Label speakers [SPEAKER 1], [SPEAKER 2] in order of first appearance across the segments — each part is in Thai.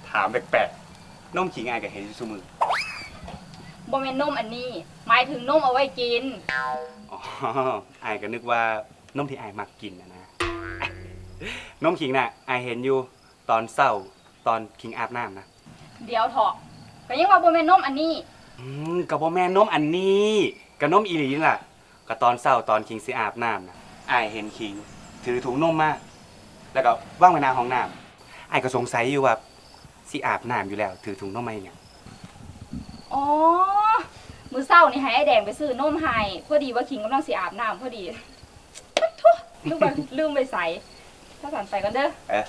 [SPEAKER 1] ถามแปลกๆนมขิงอายกับเห็นซุมือ
[SPEAKER 2] บ่แม่นนมอันนี้หมายถึงนมเอาไว้กิน
[SPEAKER 1] อ๋ออายก็นึกว่านมที่อายมักกินนะนมขิงน่ะอายเห็นอยู่ตอนเศร้าตอนขิงอาบน้ำนะ
[SPEAKER 2] เดี๋ยวเถาะก็ยังว่าบ่แม่นนมอันนี้
[SPEAKER 1] ก็บ่แม่นนมอันนี้ก็นมอีหลีนี่ล่ะก็ตอนเศร้าตอนขิงสิอาบน้ำนะอายเห็นขิงถือถุงนมมาแล้วก็ว่างไว้หน้าห้องน้ำอายก็สงสัยอยู่ว่าสิอาบน้ำอยู่แล้วถือถุงนมมาเนี่ย
[SPEAKER 2] อ๋อมื้อเช้านี่ให้ไอ้แดงไปซื้อนมให้พอดีว่าคิงกำลังสิอาบน้ำพอดีทุลืมไปใส่ถ้าสั่นไปกันเด้อ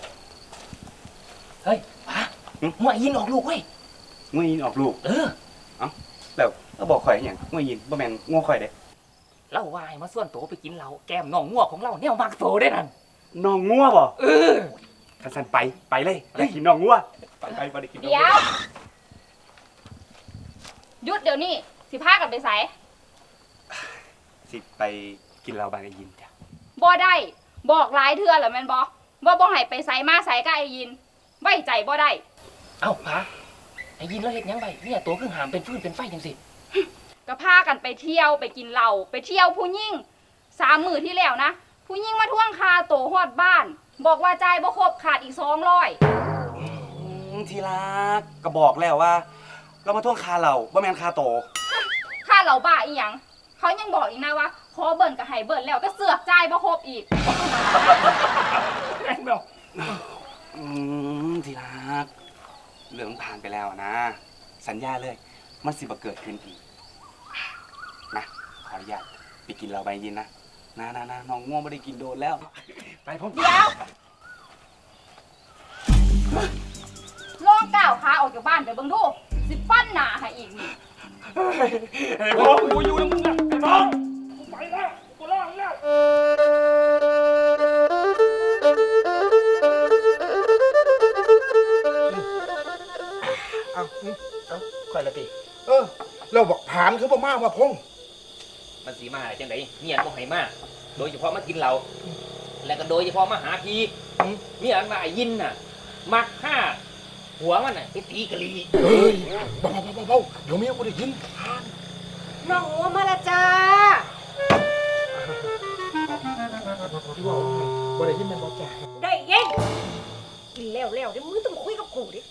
[SPEAKER 3] เฮ้ยป้างัวยินออกลูกเว้ย
[SPEAKER 1] งัวยินออกลูกเอ้าแล้วก็บอกข่อยอย่างงัวยินบ่แม่นงัวข่อยเด้
[SPEAKER 3] เล่าว่าให้มาส่วนโตไปกินเหล้าแก้มน้องงัวของเราแนวมักโตได้นั่น
[SPEAKER 1] น้องงัวบ่ท่านไปเลยอยากกินน้องงัวไปบ่ได้กิน
[SPEAKER 2] เดี๋ยวหยุดเดี๋ยวนี้สิพากันไปใส่
[SPEAKER 1] สิไปกินเหล้าบ้านไอ้ยินจ้ะ
[SPEAKER 2] บ่ได้บอกหลายเทื่อแล้วแม่นบ่ว่าบ่ให้ไปใส่มาใส่กับไอ้ยินไว้ใจบ่ได้
[SPEAKER 3] เอ้าป้าไอ้ยินแล้วเฮ็ดหยังไปเนี่ยตัวคือหามเป็นฟืนเป็นไฟจังสิ
[SPEAKER 2] ก็พากันไปเที่ยวไปกินเหล้าไปเที่ยวผู้หญิง3 มื้อที่แล้วนะผู้หญิงมาทวงค่าโตฮอดบ้านบอกว่าจ่ายบ่ครบขาดอีก200
[SPEAKER 1] ทีรักก็บอกแล้วว่าเรามาทวงค่าเหล้าบ่แม่นค่าโต
[SPEAKER 2] ค่าเหล้าบ้าอีหยังเขายังบอกอีกนะว่าขอเบิ่นก็ให้เบิ่นแล้วก็เสือกจ่ายบ่ครบอีก
[SPEAKER 1] แม่นบ่ทีรักเรื่องผ่านไปแล้วนะสัญญาเลยมันสิบ่เกิดขึ้นอีกนะขออนุญาตไปกินเหล้าใบยินนะน้องง่วงไม่ได้กินโดนแล้วไปพร้อม
[SPEAKER 2] เดี๋ยวลองก้าวขาออกจากบ้านไปเบิ่งดูสิปั้นหน้าให้อีกนี่
[SPEAKER 1] ไอ้พ่อกูอยู่นะมึงนะไอ้พ่อกูไปแล้วกูรอดแล้ว
[SPEAKER 4] เอาค่อยละติเราบอกผ่านคือบ่มาว่าพง
[SPEAKER 3] มันสีมาจังไดเมียนบ่ให้มาโดยเฉพาะมากินเหล้าแล้วก็โดยเฉพาะมาหาพี่เมียนว่าไอ้ยินน่ะมักฆ่าหัวมันน่ะไปตีกะลี
[SPEAKER 4] เฮ้ยเบาเดี๋ยวเมียกูได้ยิน
[SPEAKER 5] น้องงัวมาละจ้า
[SPEAKER 4] ที่ว่าบ่ได้ยินมันบ่จ่า
[SPEAKER 5] ได้ยินกินแล้วเดี๋ยวมึงต้องคุยกับกูดิ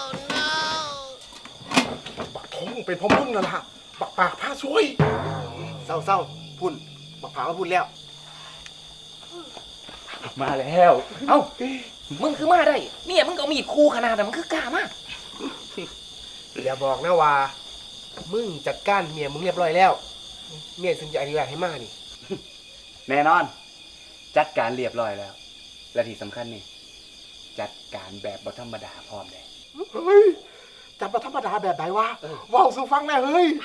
[SPEAKER 4] บักทงเป็นพ่อมึงนั่นล่ะบักปากผ้าซวยเศร้าพุ่นบักผามาพุ่นแล้ว
[SPEAKER 1] มาแล้ว
[SPEAKER 3] เอ้ามึงคือมาได้เนี่ยมึงก็มีดคู่ขนาดนั้นมึงคือกล้ามาก
[SPEAKER 4] อย่าบอกนะว่ามึงจัดการเมียมึงเรียบร้อยแล้วเมียซึ่งจะอนุญาตให้มานี่
[SPEAKER 1] แน่นอนจัดการเรียบร้อยแล้วและที่สำคัญนี่จัดการแบบบ่ธรรมดาพร้อมเลย
[SPEAKER 4] เฮ้ยจัดบ่ธรรมดาแบบไหนวะว้าวสู่ฟังแน่เฮ้ย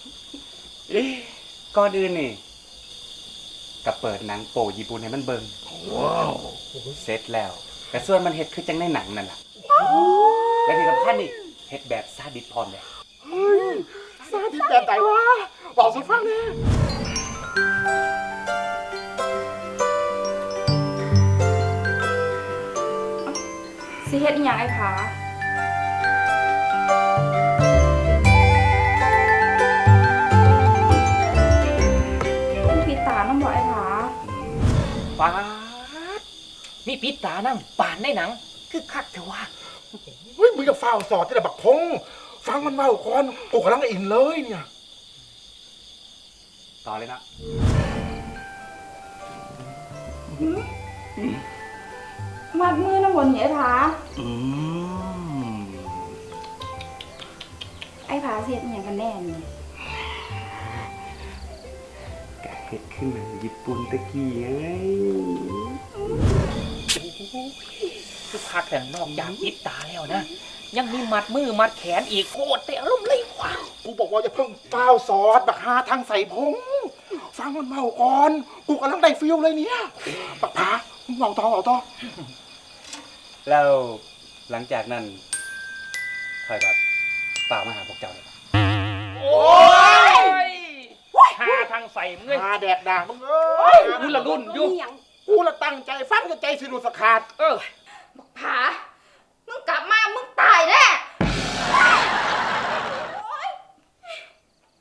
[SPEAKER 1] ก่อนอื่นนี่ก็เปิดหนังโป๊ญี่ปุ่นให้มันเบิ่งว้าวเสร็จแล้วแต่ส่วนมันเฮ็ดคือจังในหนังนั่นล่ะและที่สำคัญนี่เฮ็ดแบบซาดิสพร้อมเลย
[SPEAKER 4] เฮ้ยซาดิสแบบไหนวะว้าวสู่ฟังแน่
[SPEAKER 2] สิเฮ็ดอีหยังไอ้ผาปิดตาน้ำบ่ไอ้ผา
[SPEAKER 3] ปาดมีปิดตานั่งป่านในหนังคือคักเถอะวะ
[SPEAKER 4] เฮ้ยมึงจะฟ้าวสอดที่ไหนบักพงฟังมันเมาก่อนกูกำลังอินเลยเนี่ย
[SPEAKER 1] ต่อเลยนะ
[SPEAKER 2] มัดมือน้ำบนนี่ไอ้ผาไอ้ผาเสียดอย่างกันแน่นี่
[SPEAKER 1] กะเฮ็ดขึ้นมาญี่ปุ่นตะกี้ไง
[SPEAKER 3] คือคักแต่นอกจากปิดตาแล้วนะยังมีมัดมือมัดแขนอีกโคตรแต่อารมณ์เลยว่ะ
[SPEAKER 4] กูบอกว่าอย่าเพิ่งเฝ้าซอสบักหาทางใส่พงฟังมันเมาก่อนกูกำลังได้ฟิลเลยเนี่ยบักผามึงเอาต่อ
[SPEAKER 1] แล้วหลังจากนั้นค่อยแบบฝากมาหาพวกเจ้าเลย
[SPEAKER 3] โอ้ยหาทางใส่มึงเลย
[SPEAKER 4] หาแดกด่ามึงเอ้ย
[SPEAKER 3] กูละรุ่นอยู่
[SPEAKER 4] กูละตั้งใจฟังจะใจสิรุสขาด
[SPEAKER 2] บักผามึงกลับ